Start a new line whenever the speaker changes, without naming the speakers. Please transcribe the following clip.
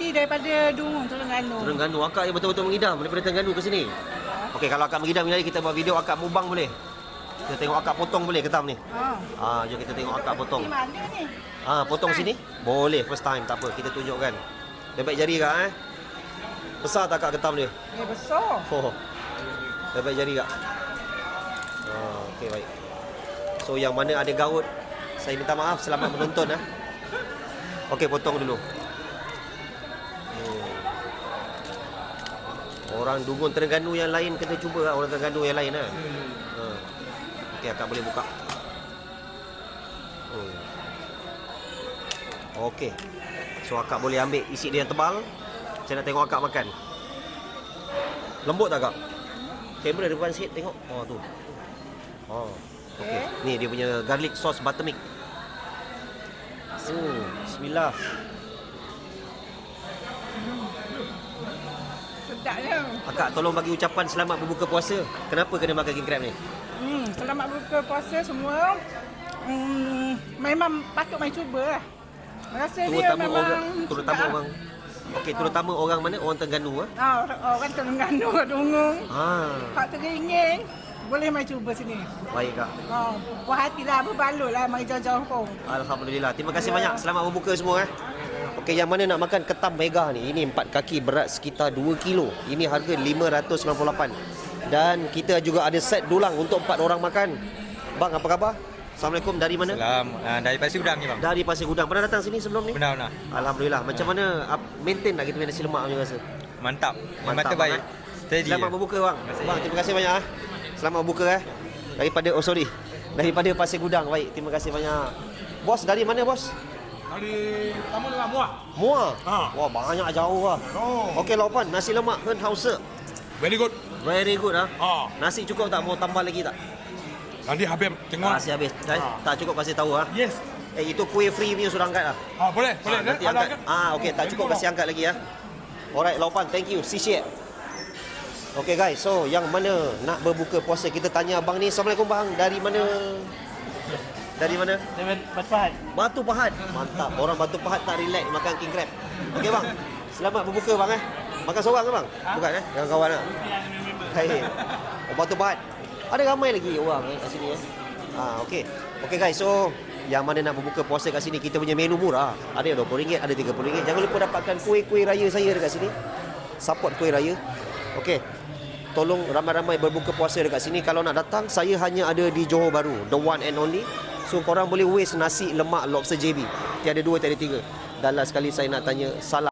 Ni daripada Dungun, Terengganu.
Terengganu. Akak yang betul-betul mengidam daripada Terengganu ke sini. Okey, kalau akak mengidam ni kita buat video akak mubang boleh? Kita tengok akak potong boleh ketam ni? Jom kita tengok akak potong.
Di mana ni?
Potong sini? Boleh, first time, tak apa. Kita tunjukkan. Dia baik jari kak Besar tak kak ketam dia?
Besar.
Dia baik jari kak. Okey, baik. So yang mana ada gaut, saya minta maaf, selamat menonton Okey, potong dulu. Orang Dungun Terengganu yang lain kena cuba orang Terengganu yang lain Okey, akak boleh buka. Okey. So akak boleh ambil isi dia yang tebal. Saya nak tengok akak makan. Lembut tak kak? Kamera depan sikit tengok. Tu. Okey. Ni dia punya garlic sauce buttermilk. Bismillah.
Sedapnya.
Akak tolong bagi ucapan selamat berbuka puasa. Kenapa kena makan king crab ni?
Selamat berbuka puasa semua. Memang patut main cuba lah. Rasa dia memang terutama orang mana? Orang Terengganu orang Terengganu, Dungun. Hak teringin boleh main cuba sini.
Baik kak.
Puas hatilah, berbaloi lah mai jauh-jauh pun.
Alhamdulillah. Terima kasih banyak. Selamat berbuka semua Okey, yang mana nak makan ketam mega ni? Ini 4 kaki berat sekitar 2 kilo. Ini harga 598. Dan kita juga ada set dulang untuk 4 orang makan. Bang, apa khabar? Assalamualaikum, dari mana?
Salam, dari Pasir Gudang ni bang.
Dari Pasir Gudang. Pernah datang sini sebelum ni?
Pernah.
Alhamdulillah. Macam mana maintain tak kita punya nasi lemak punya rasa?
Mantap mata baik.
Selamat berbuka bang. Bang, terima kasih banyak Selamat berbuka daripada Pasir Gudang. Baik, terima kasih banyak. Bos, dari mana bos?
Dari Tamu dengan Muar.
Muar? Wah, banyak jauh Okey, Laupan, nasi lemak Hausa.
Very good.
Very good Nasi cukup tak? Mau tambah lagi tak?
Nanti habis tengok.
Nasi habis. Tak cukup kasih tahu
Yes.
Itu kuih free punya sudah angkat
Boleh.
Nanti angkat. Okey, tak cukup kasih angkat lagi Alright, Laupan, thank you. Sisiet. Okey guys, so yang mana nak berbuka puasa, kita tanya abang ni. Assalamualaikum bang, dari mana? Dari mana?
Batu Pahat.
Batu Pahat. Mantap. Orang Batu Pahat tak relax makan king crab. Okey bang. Selamat berbuka bang Makan seorang ke bang? Bukan dengan kawan Hai. Batu Pahat. Ada ramai lagi orang kat sini okey. Okey guys, so yang mana nak berbuka puasa kat sini, kita punya menu murah. Ada RM20, ada RM30. Jangan lupa dapatkan kuih-kuih raya saya dekat sini. Support kuih raya. Okey. Tolong ramai-ramai berbuka puasa dekat sini. Kalau nak datang, saya hanya ada di Johor Bahru, the one and only. So korang boleh waste nasi lemak lobster JB. Tiada 2, tiada 3. Dan last sekali saya nak tanya, salam